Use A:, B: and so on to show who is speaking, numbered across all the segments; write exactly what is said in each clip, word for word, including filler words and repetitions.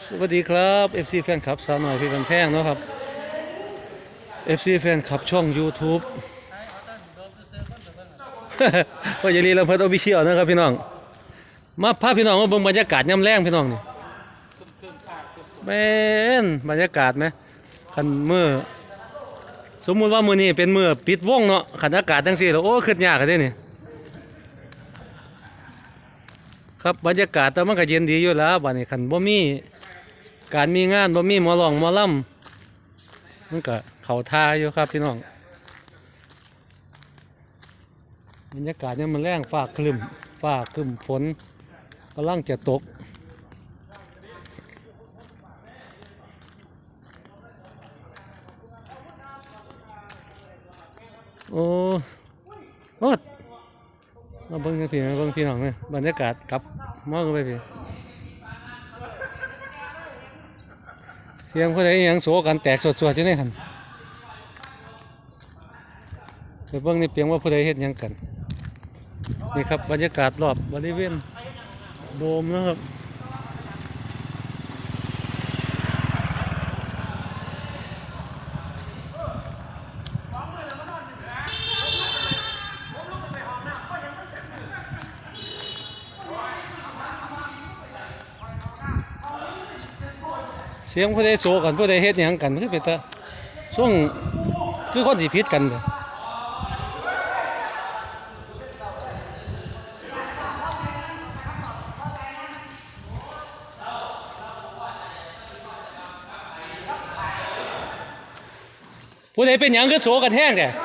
A: สวัสดีครับ เอฟ ซี แฟนคลับสาวหน่อยพี่บันแพงเนาะครับ เอฟ ซี แฟนคลับช่อง YouTube ก็อย่าลืมเราเพิ่มเอาวิเชียวนะครับพี่น้องมาพาพี่น้องมาเบิ่งบรรยากาศยามแรงพี่น้องนี่เป็นบรรยากาศไหมคันมือสมมุติว่ามือนี้เป็นมือปิดวงเนาะคันอากาศจังซี่แล้วโอ้ขึ้นยากกันเด้นี่ครับบรรยากาศแต่มันก็เย็นดีอยู่แล้วบัดนี้คันบ่มีการมีงานบ่มีหมอร้องหมอลำมันก็เข้าท่าอยู่ครับพี่น้องบรรยากาศเนี่ยมันแรงฟ้าครึ้มฟ้าครึ้มฝนกำลังจะตกโอ้โอ้มาเบิ่งกันพี่มาเบิ่งพี่น้องเลยบรรยากาศกลับมองไปพี่เสียงผู้ใดยังโศกันแตกสดๆอยู่ในหันไปเบิ่งในเปียงว่าผู้ใดเฮ็ดหยังกันนี่ครับบรรยากาศรอบบริเวณโดมนะครับเสียงผู้ใดโศกันผู้ใดเฮ็ดหยังกันคือเป็นตาช่วงคือคนสิผิดกันเลยผู้ใดเป็นหยังคือโศกันแห้งแต่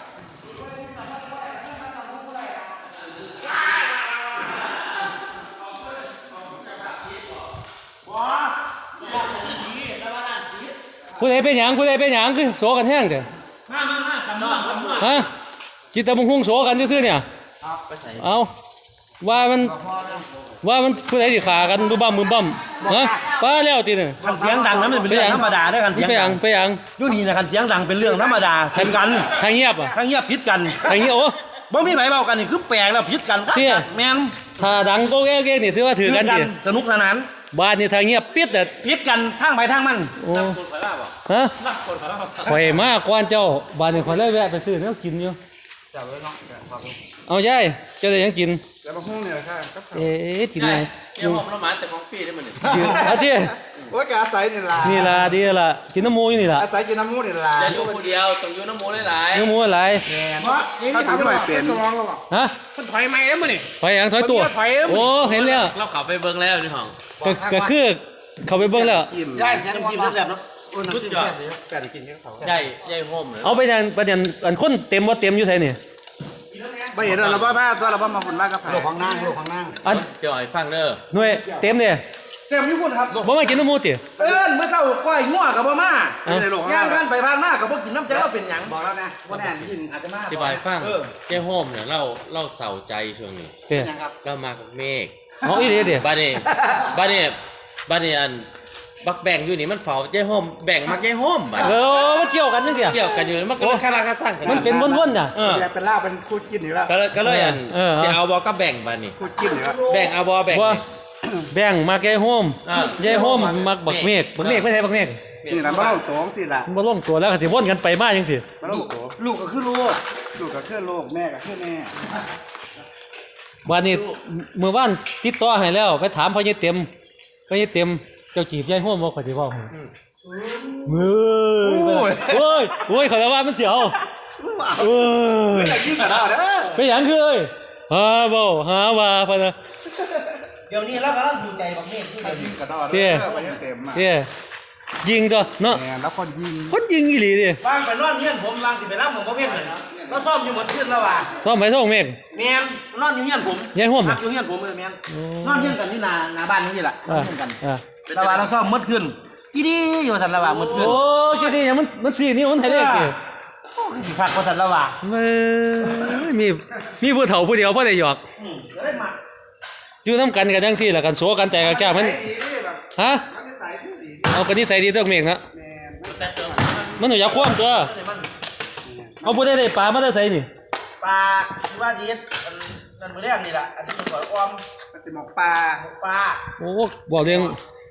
A: ผู้ใดเป็นหยังผู้ใดเป็นหยังคือโศกันแห้งแต่มามามากันนอกกันนอกฮะกินแต่บุ้งหุ้งโศกันซื่อๆเนี่ยเอาว่ามันว่ามันผู้ใดที่ขากันบุบ้ามบุบ้ามฮะป้าแล้วตีเนี่ย
B: คันเสียงดังนั้นเป็นเรื่องธรรมดาได้คันเสียง
A: ไปยังไปยัง
B: ดูนี่นะคันเสียงดังเป็นเรื่องธรรมดาผิดกัน
A: ทางเงียบอ่ะ
B: ทางเงียบผิดกัน
A: ทางเงียบโอ้
B: บ่มีไหมเบากันนี่คือแปลกแล้วผิดกันแมน
A: ถ้าดังโก้แก้ๆนี่ซื้อว่าถือกันดิ
B: สนุกสนาน
A: บ้านนี่ทางเงียบปิดแต่
B: ผิดกันทางไปทางมัน
A: โอ้ฮะข่อยมากกวนเจ้าบ้านนี่ข่อยเลยแวะไปซื้อแล้วกินอยู่เอาใช่เจ้าได้ยังกิน
B: แล้วมาห้องเนี่ยค่ะ
A: เอ๊ะกินไง
C: เกี่ยวกับน้ำมันแต่ของฟรีได้มัน
A: เนี่ยอาทิตย์
B: ว่าแกอาศัยนี่ล่ะ
A: นี่ล่ะดีล่ะกินน้ำมูนี่ล่ะ
B: อาศัยกินน้ำมูนี่ล่ะ
C: จะอยู่คนเดียวต้องอยู่น้ำมูหลาย
A: น้ำมูอะไร
B: ถ้าถึงหน่อยเปลี่ยน
A: ฮะ
D: มันถอยไม่แล้วมั้งนี่
A: ถอยอย่างถอยตัวโอ้เห็นแล้ว
C: เราขับไปเบิ้งแล้วนี่ห้อง
A: ก็คือเขาไปเบิ้งแล้ว
B: ย่ายเสียงกินแบบเนาะชุดยอดแกได้กินแค่เขา
C: ใหญ่ใหญ่โฮมเลย
A: เอาไปยังประเด็นอันคนเต็มว่าเต็มอยู่ไสนี่
B: ไม่เห็นเราบ้าบ้าตัวเราบ้ามาฝุ่นมากกับโลกของนั่งโลกของนั่ง
A: อัน
C: เจ้าไอ้ฟังเด้อ
A: หน่วยเต็มเนี่ย
B: เต็มญี่ปุ่นครับ
A: บ่มากินน้ำมูติ
B: เอิ้นเมื่อเช้าก้อยงัวกับบ่มาย่างกันไปผ่านมากับบ่กินน้ำใจเราเป็นหยังบอกแล้วนะว่าแน่ยินอาจจะมา
C: ที่บายฟังเจ้าโฮมเนี่ยเราเราเศร้าใจช่วงนี้เรามากับเมฆ
A: อ๋ออีเด้เด้
C: บ้านนี้บ้านนี้บ้านนี้อันบักแบ่งอยู่นี่มันเฝ้าเจ้าโฮมแบ่งมักเจ้าโฮม
A: เออมันเกี่ยวกันจังซี่
C: เกี่ยวกันอยู่มันก็คาราคาสั่งกัน
A: มันเป็นวนๆน่ะ
B: เออเป็นลาบเป็นคู่กินอยู่แล้ว
C: ก็เลยอันสิเอาบ่ก็แบ่งบ้านนี้
B: คู่กินอยู่แล้ว
C: แบ่งเอาบ่แบ่ง
A: แบ่งมาแก่โฮมยายโฮมมักบักเมฆบักเมฆไม่ใช่บักเมฆ
B: นี่นะบ่ลงตัวสิล่ะ
A: บ่ลงตัวแล้วก็สิวนกันไปมาจังซี่
B: บ่ลงตัวลูกก็คือลูกลูกก็คือลูกแม่ก็คือแม่
A: วันนี้เมื่อวานติดต่อให้แล้วไปถามพ่อใหญ่เต็มพ่อใหญ่เต็มเจ้าจีบยายโฮมบ่ค่อยสิเว้าให้เฮ้ยโอ้ยโอ้ยเขาจะว่ามันเสียวเอ้ย
B: ยิงกระดาษเด้อ
A: ไปหยังคือเอ้ยฮาบ่หาว่าพะนะ
B: เดี๋ยวนี้เรากำลังอยู่ใจบักเมฆคือยิงกระดาษเด้อไปเต็มมา
A: เด้ยิงตัวเนาะ
B: แล้วคนยิง
A: คนยิงอีหลีดิ
B: วางไปนอนเฮียนผมวางสิไปนำผมบ่เพียงเลยเราซ่อมอยู่หมดคืนแล้วว่ะ
A: ซ่อมไปซ่อมเมฆ
B: แม่นนอนอยู่เฮียนผม
A: ยายโฮม
B: อยู่เฮียนผมเออแม่นนอนเฮียนกันนี่หน้าหน้าบ้านนี่ล่ะนอนเฮียนกันแล้วว่าเราซ่อมหมดคืนอีดีอยู่ซั่นแล้วว่าหมดคืน
A: โอ้จีดียังมันมันสี่นิ้วมันไทยเลขดิ
B: โอ้ยสิคักบ่ซั่นแล้วว่า
A: มีมีผู้เฒ่าผู้เดียวบ่ได้หยอกอยู่นำกันกันจังซี่ล่ะกันโซกันแต่กับแก้มันฮะเอากันนิสัยดีตัวเมฆนะมันหนูอยากคว่ำตัวเอาผู้ได้ได้ปลามาได้ใส่นี่
B: ปลาที่ว่าสินั่นมื้อแรกนี่ล่ะอันที่มันสวยอ้อมมันสิหมกปลาหมกปลา
A: โอ้บอกเรื่อง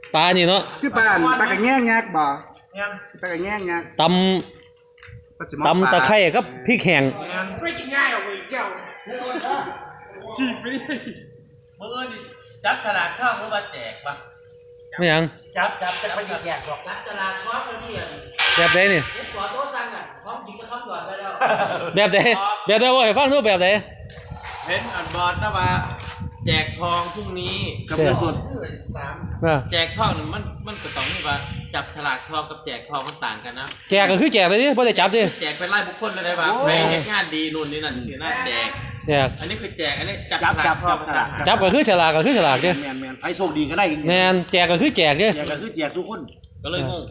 A: ปลานี่เนาะ
D: คือปลาปลากระแง่งยักษ์บ่
B: เนี่ย
D: ปลากระแง่งยักษ์
A: ต
D: ปลาสม
A: ำตำตะไคร้กับพริกแห้ง
B: ไม่กินง่ายหรอกเว้ยเจ้าฉีกไปดิเมื่อนี่จับตลาดข้าวเมื่อมาแจกปะ
A: ไม่หยัง
B: จับจับจะไปแจกหรอกจับตลาดข้าวนี่อ่ะ
A: แบบใดนี่
B: ขอโทษสั่งอ่ะพร้อมจริงก็ต้องก่อนไปแล้ว
A: แบบใดแบบใดว่าให้ฟังดูแบบใด
C: เห็นอันบอลนะว่าแจกทองพรุ่งนี้
B: กับเงินสด
A: อ่า
C: แจกทองนี่มันมันก็ต้องนี่ว่าจับฉลากทองกับแจกทองมันต่างกันนะ
A: แจกก็คือแจกเลยดิบ่ได้จับดิ
C: แจกเป็นรายบุคคลเลยได้ป่ะไปเฮ็ดงานดีนู่นนี่นั่นถือหน้าแจก
A: แจก
C: อันนี้คือแจกอันนี้จับ
B: จับ
C: ฉลา
B: จั
C: ก
B: บ
C: ทอง
B: จับ
C: มันต่างกัน
A: จับก็คือฉลากก็คือฉลากดิ
B: แมนแมนใครโชคดีก็ได้อีก
A: แม่นแจกก็คือแจกดิ
B: แจกก็คือแจกทุกคน
C: ก็เลยงง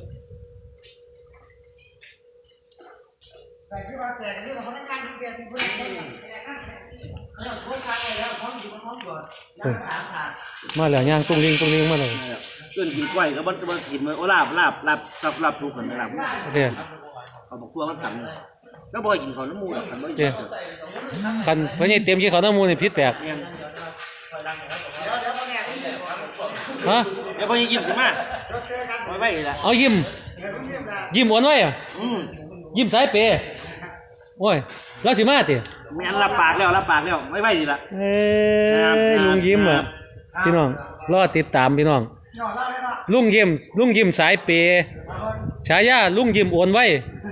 E: แต่ที่ว่าแต่ที่เราพนักงานที่เรียนเพื่อนเพื่อนเขาโค้ชทางไปแล้วพร้อมอยู่พร้อมก่อนแล้วก็ถามถาม
A: มาแล้วย่างตุ้งลิงตุ้งลิงมาเลย
B: เกินกินกล้วยก็บ่บ่กินมื้อโอ้ลาบลาบลาบสับลาบสุกกันลาบ
A: โอเค
B: เอาบอกตัวมันถังแล้วบ่กินข้าวน้ำมูดอกกันบ่
A: โอเคกันเพิ่นนี่เตรียมกินข้าวหน้าหมูนี่ผิดแปลก
E: เดี๋ยวเดี๋ยวพ่อแม่ที่เรียน
A: ฮะ
B: แล้วบ่ยิ้มสิมา
E: เราเจอกัน
B: ไว้ไว้ล่ะ
A: เอายิ้ม
E: เดี๋ยวต้องเรียนนะ
A: ยิ้มอ้วนไว้อะ
B: อืม
A: ยิ้มสายเปย์โอ้ยแล้วสิมาติ
B: แม่นรับปากแล้วรับปากแล้วไว้ไว้นี่ล่ะ
A: เอ้ยลุงยิ้มอ่ะพี่น้องรอติดตามพี่น้อง
E: หยอดเล่าเลยเนาะ
A: ลุงยิ้มลุงยิ้มสายเปย์ฉายาลุงยิ้มโอนไว้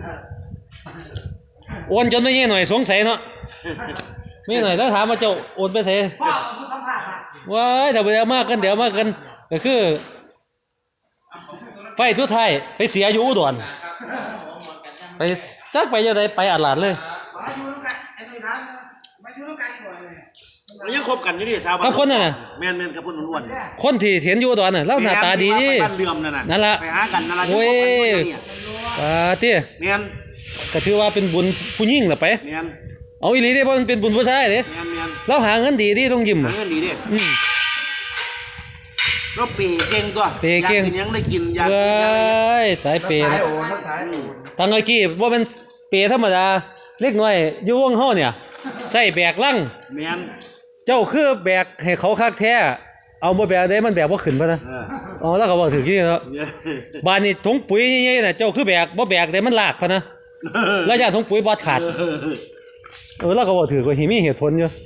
A: โอนจนไม่เงี้ยหน่อยสงสัยเนาะไม่หน่อยแล้วถามว่าเจ้าโอนไปไส
E: พ่อคือสัมผัสนะ
A: ว้ายถ้าเดี๋ยวมากกันเดี๋ยวมากกันก็คือไฟทุกไทายไปเสียอยู่อุดรไปจักไปยังไงไปอาหลาดเลย
E: มาอยู่ร่วมกันไอ้หนุ่ยน้ำมาอยู่ร่วมกันก่อนเลย
B: มันยังคบกันอยู่ดิสาว
A: กับคนน่ะ
B: แม่นแม่นกับคนอ้วน
A: คนที่เห็นอยู่อุดรน่ะเล่าหน้าตาดี
B: ไปบ้านเดือมนั่นน่ะ
A: นั่นล่ะ
B: ไปหากันนั่นล่ะ
A: โอ้ย
B: เนี่ย
A: อ่าเตี้ย
B: แม่น
A: ก็ถือว่าเป็นบุญผู้หญิงล่ะไป
B: แม่น
A: เอาอีหลีเด้เพราะมันเป็นบุญผู้ชายเด้
B: แม่นแม่น
A: เราหาเงินดีดิต้องยิ้ม
B: หา
A: อะ
B: เงินดีดิ
A: อืม
B: เราเปย์เก่งตัว
A: เปย์เก่ง
B: อยากกินหยังได้กินอยาก
A: เว้
B: กินหยังได้กิน
A: ยสายเปย์
D: สาย
A: นะ
D: โอนสายโอน
A: ทางเมื่อกี้ว่าเป็นเปย์ธรรมดาเล็กน้อยอยู่วงเฮาเนี่ยใส่แบกลัง
B: แม่น
A: เจ้าคือแบกให้เขาคักแท้เอาบ่แบกได้มันแบกบ่ขึ้นปะนะ
B: เออ
A: อ๋อแล้วก็บอกถือที่เนาะ
B: เนี่ย
A: บ้านนี้ถุงปุ๋ยใหญ่ๆน่ะเจ้าคือแบกบ่แบกแต่มันลากปะนะแล้วยาถุงปุ๋ยบ่ขาดเออแล้วก็บอกถือว่าหิมีเหตุผลอยู่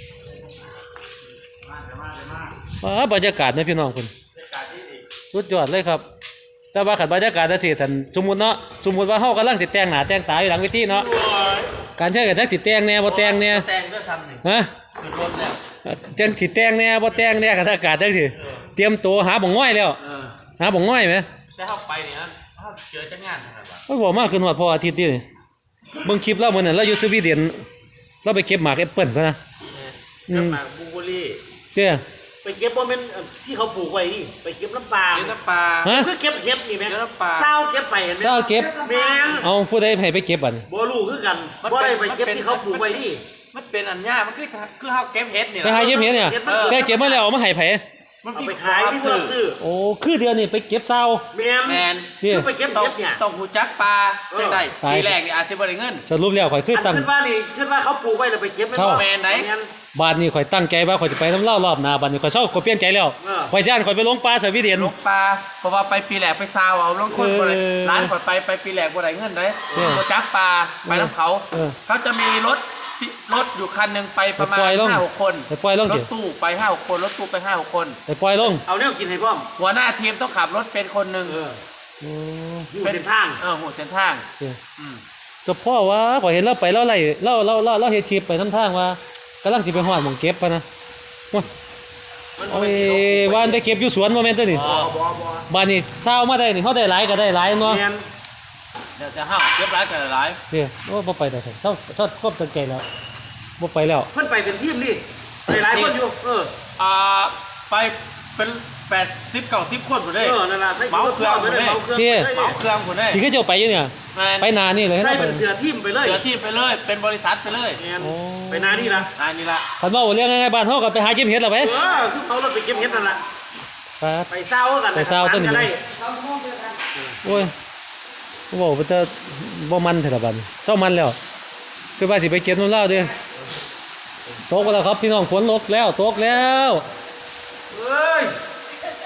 A: อ่าบรรยากาศนะพี่น้องคุณสุดยอดเลยครับ แต่ว่าขันบรรยากาศจังซี่ท่านสมมุติเนาะสมมุติว่าเฮากำลังสิแต่งหน้าแต่งตาอยู่หลังเวทีเนาะการใช้กันจักสิแต่งแหน่บ่แต่งแหน่
C: แต่งด้วยซ้ำนี่
A: ฮะ
C: คือรถแล้ว
A: จังสิแต่งแหน่บ่แต่งแหน่กันอากาศจังสิเตรียมตัวหาบ่งง่อยแล้ว
C: เออ
A: หาบ่งง่อยไหม
C: แต่เข้าไปเนี่ยเขาเจอจังงานนะครับว่า
A: โอ้ยบอกมากขึ้นฮอดพออาทิตย์นี่เบิ่งคลิปเรามื้อนั้นเราอยู่สวีเดนเราไปเก็บหมากแอปเปิ้ลพุ่นนะ อื
C: เกิด
A: ม
C: มาบูเบอรี่
A: เจ้
B: ไปเก็บบ่แม่นเอ่อที่เขาปลูกไว้นี่ไปเก็บน้ำปลา
C: เก็บน้ำปลา
A: ฮะ
B: คือเก็บเห็ดนี่แม่
C: เก็บน้ำปลา
B: เศร้าเก็บไปเห็นไหม
A: เจ้าเก็บ
B: แม่น
A: เอาผู้ใดให้ไปเก็บบัดนี้
B: บ่รู้คือกันบ่ได้ไปเก็บที่เขาปลูกไว้นี่
C: มันเป็นอันยากมันคือคือเขาเก็บเห็ดนี่
A: ไปหาเก็บเห็ดเนี่ยแต่เก็บมาแล้วเอามาให้ไผ
C: มัน
B: เอา
C: มี
B: ไปขายที่ผู้รับซื้อ
A: โอ้คือเดือนนี้ไปเก็บซาว
B: แม่น
C: แมน
A: นี่
B: คือไปเก็บ
C: ต้อง
B: เห็ดเนี่ย
C: ต้องหูจักปลาจังได้
A: ตาย
C: ทีแรกนี่อาจจะบ่ได้เงิน
A: สรุปแล้วข่อยคือ
B: อัน
A: ตั้ง
B: ขึ้นว่านี่ขึ้นว่าเขาปลูกไว้แล้วไปเก็บไม่
A: เข้า
B: พอ
C: แม่นไหน
B: แม่น
A: บาดนี้ข่อยตั้งใจว่าข่อยจะไปน้ำเล่ารอบหน้าบาดนี้ข่อยเศร้าข่อยเปลี่ยนใจแล้ว
B: เออ
A: ข่อยย่านข่อยไปลงปลาสวีเดน
C: ลกปลาเพราะว่าไปปีแรกไปซาวเอาลงคนบ่ได้
A: เออ
C: ร้านก่อนไปไปปีแรกบ่ได้เงินได้
A: เออ
C: บ่จักปลาไปน้ำเขา
A: เออ
C: เขาจะมีรถรถอยู่คันหนึงไปประมาณ
A: ไปปล่อยลง
C: ห้าหกคน
A: ไปปล่อยลง
C: ร
A: สิ
C: ถตู้ไปห้าหกคนรถตู้ไปห้าหกคน
A: ไปปล่อยลง
B: เอาแนวกินให้พร้อม
C: หัวหน้าทีมต้องขับรถเป็นคนหนึ่ง
B: เออ
A: โอ้
B: อยู่เส้นทาง
C: เออหัวเส้นทาง
A: เจ้
C: อืม
A: เจะพ่อว่าข่อยเห็นเราไปเราไล่เราเราเราเราเฮ็ดคลิปไปนำทางว่ากำลังสิไปฮอดหม่องเก็บปะนะโอ้ย
C: มัน
A: โอ้ยว่านไปเก็บอยู่สวนบ่แม่นตัวนี่
B: บ่บ่บ่
A: บ้านนี้เช้ามาได้นี่เฮาได้หลายก็ได้หลายเนาะ
B: แม่น
C: เดี๋ยวจะห้าเก็บร้ายกันหลาย
A: เด้อโอ้บ่ไปได้ซั่นเช้าเช้าครบตั้งใจแล้วบ่ไปแล้ว
B: เพิ่นไปเป็นทีมนี่หลายๆคนอยู่เออ
C: อ่าไปเป็นแปดสิบเก้าสิบคนหมดเลย
B: เออนั่นล่ะใส่
C: เมาเครื่อง
B: ไปเลย
C: ไปเลย
B: เมาเครื่อง
A: เที่ย
B: ไปเลย
C: เมาเครื่องคนเลย
A: ที่เขาเจ้าไปอยู่เนี่ย
C: แม่น
A: ไปนานี่เลย
B: ใส่
A: เนาะ
B: เป็นเสือทีมไปเลย
C: เสือที่ไปเลยเป็นบริษัทไปเลย
B: แม่น
A: โอ้
B: ไปนานี่ล่ะ
C: อันนี้ละ
A: คันเว้าเรื่องง่ายๆบ้านเฮาก็ไปหาเก็บเห็ดล่ะไป
B: เออคือเขาเราไปเก็บเห็ดนั่นล่ะ
A: ครับ
B: ไปเศร้ากัน
A: ไปเศร้าต้นนี้
B: ก็ได้
A: โอ้ยเว้าไปแต่บ่มันเท่าละบัดนี้เช้ามันแล้วคือว่าสิไปเก็บนู่นแล้วเด้อตกแล้วครับพี่น้องฝนตกแล้วตกแล้ว
B: เอ้ย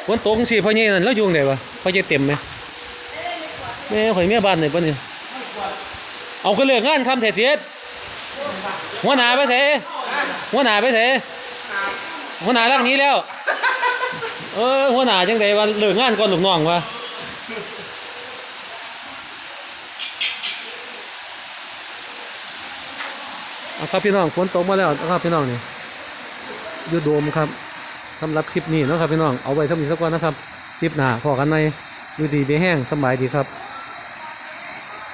A: ฝนตกสิพ่อใหญ่นั่นแล้วอยู่ไหนวะพ่อใหญ่เต็มไหมแม่ข่อยเมียบ้านไหนปะเนี่ยเอาก็เลิกงานคำแท้เสียดหัวหน้าไปเสหัวหน้าไปเสหัวหน้ารักนี้แล้ว เออหัวหน้าจังไดว่าเลิกงานก่อนลูกน้องวะเอาครับพี่น้องฝนตกมาแล้วนะครับพี่น้องนี่ยูโดมครับสำหรับคลิปนี้นะครับพี่น้องเอาไว้สักนิดสักวันนะครับคลิปหน้าพอกันไหมอยู่ดีไม่แห้งสบายดีครับ